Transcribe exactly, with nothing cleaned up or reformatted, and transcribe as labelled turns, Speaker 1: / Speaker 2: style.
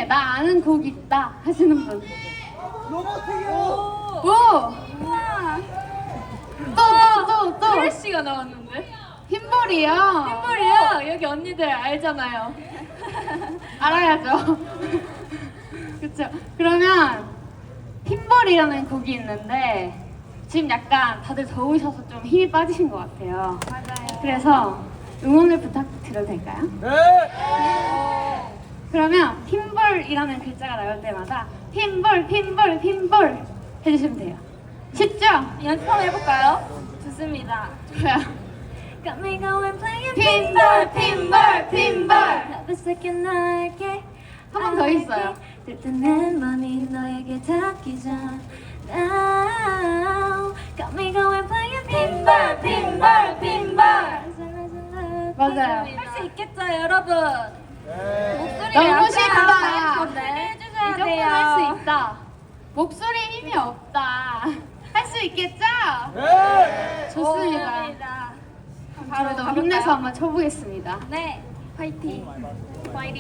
Speaker 1: 나 아는 곡 있다 하시는 분.
Speaker 2: 로봇이요.
Speaker 1: 오! 또 또 또 또
Speaker 3: 클래시가 나왔는데?
Speaker 1: 흰볼이요.
Speaker 3: 흰볼이요? 여기 언니들 알잖아요.
Speaker 1: 알아야죠. 그쵸. 그러면 흰볼이라는 곡이 있는데 지금 약간 다들 더우셔서 좀 힘이 빠지신 것 같아요.
Speaker 3: 맞아요.
Speaker 1: 그래서 응원을 부탁드려도 될까요?
Speaker 2: 네.
Speaker 1: 그러면 핀볼이라는 글자가 나올 때마다 핀볼, 핀볼, 핀볼 해주시면 돼요. 쉽죠?
Speaker 3: 연습 한번 해볼까요? 좋습니다.
Speaker 1: 좋아요.
Speaker 3: Got me going playing
Speaker 1: 핀볼, 핀볼, 핀볼.
Speaker 3: Every second 너에게
Speaker 1: 한 번 더 있어요.
Speaker 3: 들뜬 내 맘이 너에게 닿기 전 Now Got me going playing 핀볼, 핀볼, 핀볼.
Speaker 1: 맞아요.
Speaker 3: 할 수 있겠죠 여러분?
Speaker 2: 네.
Speaker 3: 목소리
Speaker 1: 너무
Speaker 3: 약간
Speaker 1: 쉽다.
Speaker 3: 건데
Speaker 1: 이
Speaker 3: 해주셔야
Speaker 1: 정도는
Speaker 3: 돼요.
Speaker 1: 할 수 있다. 목소리에 힘이 없다. 할 수 있겠죠?
Speaker 2: 네.
Speaker 1: 좋습니다.
Speaker 3: 좋습니다.
Speaker 1: 바로 더 힘내서 한번 쳐보겠습니다.
Speaker 3: 네, 파이팅. 파이팅.